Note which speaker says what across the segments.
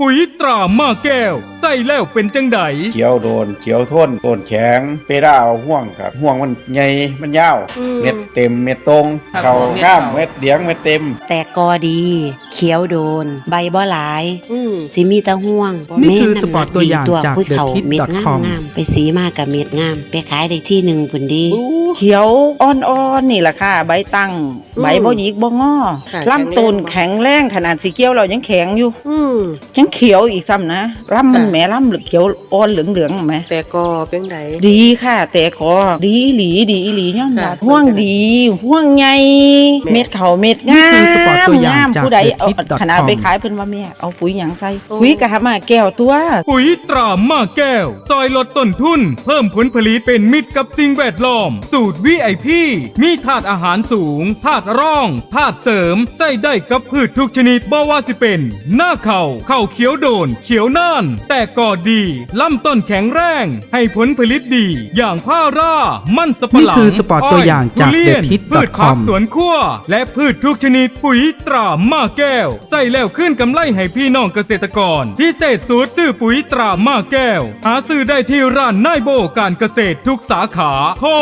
Speaker 1: ปุ๋ยตรามาแก้วใส่แล้วเป็นจังได
Speaker 2: เขียวโดนเขียวทนต้นแข็งเปด้าเอาห่วงครับห่วงมันใหญ่มันยาวเม็ดเต็มเม็ดตรงเข่าง่ามเม็ดเดียงเม็ดเต็ม
Speaker 3: แต่กอดีเขียวโดนใบบ่หลายสิมีตะห่วง
Speaker 4: นี่คือสปอร์ตตัวอย่างจาก
Speaker 3: thekit.com ไปสีมากกับเม็ดงามไปขายได้ที่หนึ่งพุ่นดี
Speaker 5: เขียวอ่อนๆนี่แหละค่ะใบตั้งใบบ่หยิกบ่งอลำต้นแข็งแรงขนาดสีเขียวเรายังแข็งอยู่ยังเขียวอีกซ้ำนะลำมันแหมลำเขียวอ่อนเหลืองๆไหม
Speaker 6: แต่ก็เป็นไง
Speaker 5: ดีค่ะแต่ก็ดีหลีย่อมรับห่วงดีห่วงใหญ่เม็ดเขาเม็ดงาม
Speaker 4: นี่คือสปอร์ตตัวอย่างจาก
Speaker 5: ผู้ใดเอา
Speaker 4: thekit.com
Speaker 5: ขนาดไปขายเพิ่นว่าแม่เอาปุ๋ยหยังใส่ปุ๋ยกะหามาแก้วตัว
Speaker 1: ปุ๋ยตรามาแก้วซอยลดต้นทุนเพิ่มผลผลิตเป็นมิตรกับสิ่งแวดล้อมสูตร VIP มีธาตุอาหารสูงธาตุร่องธาตุเสริมใส่ได้กับพืชทุกชนิดบ่ว่าสิเป็นหน้าเข่าเขียวโดนเขียวน่านแต่ก่อดีลำต้นแข็งแรงให้ผลผลิตดีอย่างผ้าร่ามันสปะหลัง
Speaker 4: นี่คือสปอร์ตตัวอย่างจาก
Speaker 1: ทุเรียน
Speaker 4: thekit.com
Speaker 1: พืชผักสวนครัวและพืชทุกชนิดปุ๋ยตรามาแก้วใส่แล้วขึ้นกำไรให้พี่น้องเกษตรกรพิเศษสูตรซื้อปุ๋ยตรามาแก้วหาซื้อได้ที่ร้านนายโบการเกษตรทุกสาขาโทร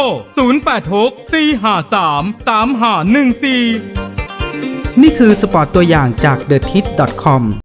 Speaker 1: 0864533514
Speaker 4: นี่คือสปอร์ตตัวอย่างจาก thekit.com